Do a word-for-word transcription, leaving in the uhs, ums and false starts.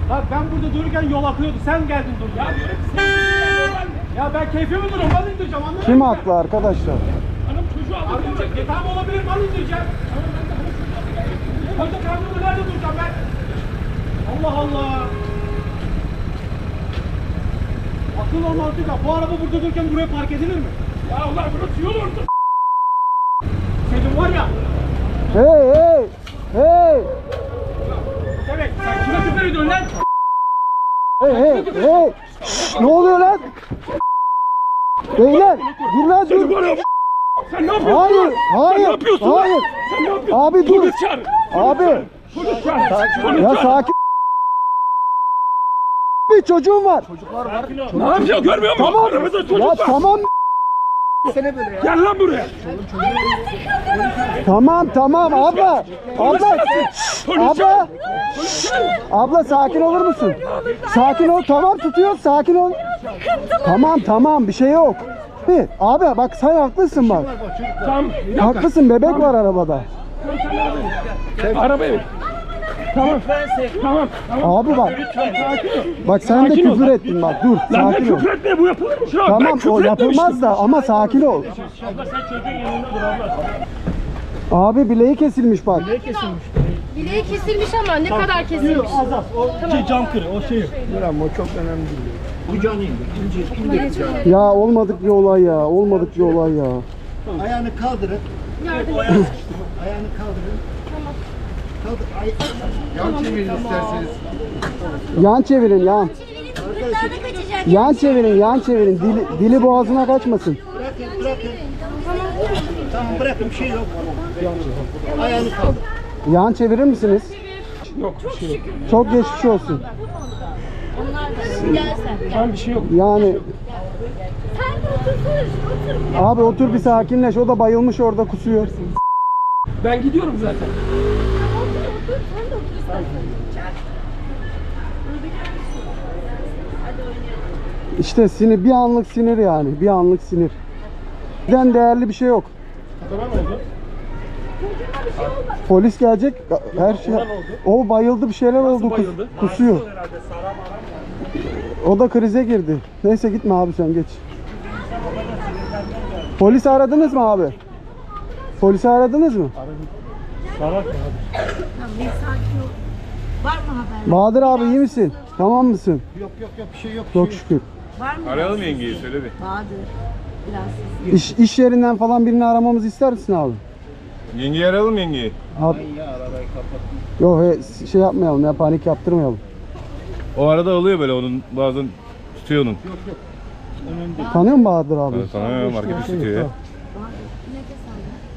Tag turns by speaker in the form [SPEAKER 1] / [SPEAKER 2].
[SPEAKER 1] Bak ben burada dururken yol akıyordu. Sen geldin dur. Ya diyorum ki sen ya ben keyfimi dururum. Mal indireceğim anladın mı?
[SPEAKER 2] Kim haklı arkadaşlar?
[SPEAKER 1] Hanım çocuğu aldıracak. E tamam olabilir mal indireceğim. Koca karnımda nerede duracağım ben? Allah Allah. Akıl ol mantık ya. Bu araba burada dururken buraya park edilir mi? Ya Allah burası yol orta. Senin var ya.
[SPEAKER 2] Hey hey! Hey!
[SPEAKER 1] Evet sen kime küfür ediyorsun lan?
[SPEAKER 2] Hey hey hey! Şşş, ne oluyor lan? Beyler! Dur lan dur!
[SPEAKER 1] Sen ne yapıyorsun?
[SPEAKER 2] Hayır! Hayır!
[SPEAKER 1] Sen ne yapıyorsun?
[SPEAKER 2] Hayır!
[SPEAKER 1] Sen ne yapıyorsun?
[SPEAKER 2] Abi dur!
[SPEAKER 1] Polis çağır.
[SPEAKER 2] Abi!
[SPEAKER 1] Polis çağır. Polis
[SPEAKER 2] Ya
[SPEAKER 1] çağır.
[SPEAKER 2] sakin! Bir çocuğum var.
[SPEAKER 1] Ne yapıyor görmüyor musun?
[SPEAKER 2] Tamam.
[SPEAKER 1] Aramızda çocuk
[SPEAKER 2] Ya
[SPEAKER 1] var.
[SPEAKER 2] tamam.
[SPEAKER 1] Gel lan buraya.
[SPEAKER 2] Tamam tamam abla. Abla. Şşş, abla. Abla sakin olur musun? Sakin ol. Tamam tutuyoruz. Sakin ol. Tamam tamam bir şey yok. Bir, abi bak sen haklısın bak.
[SPEAKER 1] Tamam. bir dakika.
[SPEAKER 2] Haklısın bebek var arabada.
[SPEAKER 1] Arabaya bin. Tamam. Tamam. Tamam.
[SPEAKER 2] Abi bak.
[SPEAKER 1] Sakin ol.
[SPEAKER 2] Bak sen de
[SPEAKER 1] Sakin ol.
[SPEAKER 2] küfür ettin bak dur
[SPEAKER 1] Lan ne
[SPEAKER 2] sakin ol.
[SPEAKER 1] küfür etme bu yapılır mı şu an? Ben
[SPEAKER 2] Tamam
[SPEAKER 1] küfür
[SPEAKER 2] o yapılmaz
[SPEAKER 1] etmemiştim.
[SPEAKER 2] da ama sakin ol.
[SPEAKER 1] Abla sen çocuğun yanında dur abla.
[SPEAKER 2] Abi bileği kesilmiş bak.
[SPEAKER 3] Bileği kesilmiş ama ne kadar kesilmiş?
[SPEAKER 1] Az az. O şey, cam kırı. O şey.
[SPEAKER 2] Ya olmadık bir olay ya. Olmadık bir olay ya.
[SPEAKER 4] Ayağını kaldırın.
[SPEAKER 3] Yardım et.
[SPEAKER 4] Ayağını kaldırın. Kaldır. Ay yan çevirin isterseniz.
[SPEAKER 2] Yan çevirin yan. Yan çevirin yan çevirin. Dili, dili boğazına kaçmasın.
[SPEAKER 4] Bırakın bırakın. Tamam bırakın bir şey yok. Ayağını kaldır.
[SPEAKER 2] Yan çevirir misiniz?
[SPEAKER 1] Yok bir şey yok.
[SPEAKER 2] Çok geçmiş olsun.
[SPEAKER 1] Tamam bir şey yok.
[SPEAKER 2] Yani abi otur bir sakinleş. O da bayılmış orada kusuyor.
[SPEAKER 1] Ben gidiyorum zaten.
[SPEAKER 2] İşte sinir bir anlık sinir yani. Bir anlık sinir. Bizden değerli bir şey yok.
[SPEAKER 1] Tamam oldu.
[SPEAKER 2] Polis gelecek. Her şey. O bayıldı bir şeyler oldu. kus-
[SPEAKER 1] bayıldı?
[SPEAKER 2] Kusuyor. O da krize girdi. Neyse gitme abi sen geç. Polisi aradınız mı abi? Polisi aradınız mı?
[SPEAKER 1] Salak mı
[SPEAKER 3] Var mı haber?
[SPEAKER 2] Bahadır abi iyi misin? Tamam mısın?
[SPEAKER 4] Yok yok yok bir şey yok.
[SPEAKER 2] Çok şükür.
[SPEAKER 3] Var mı?
[SPEAKER 5] Arayalım yengeyi söyle bir.
[SPEAKER 3] Bahadır. Biraz.
[SPEAKER 2] İş, iş yerinden falan birini aramamızı ister misin abi?
[SPEAKER 5] Yengeyi arayalım yengeyi.
[SPEAKER 2] Abi. Yok he, şey yapmayalım ya panik yaptırmayalım.
[SPEAKER 5] O arada oluyor böyle onun bazen tutuyor onun.
[SPEAKER 2] Tanıyor musun Bahadır abi?
[SPEAKER 5] Sana marketi tutuyor ya.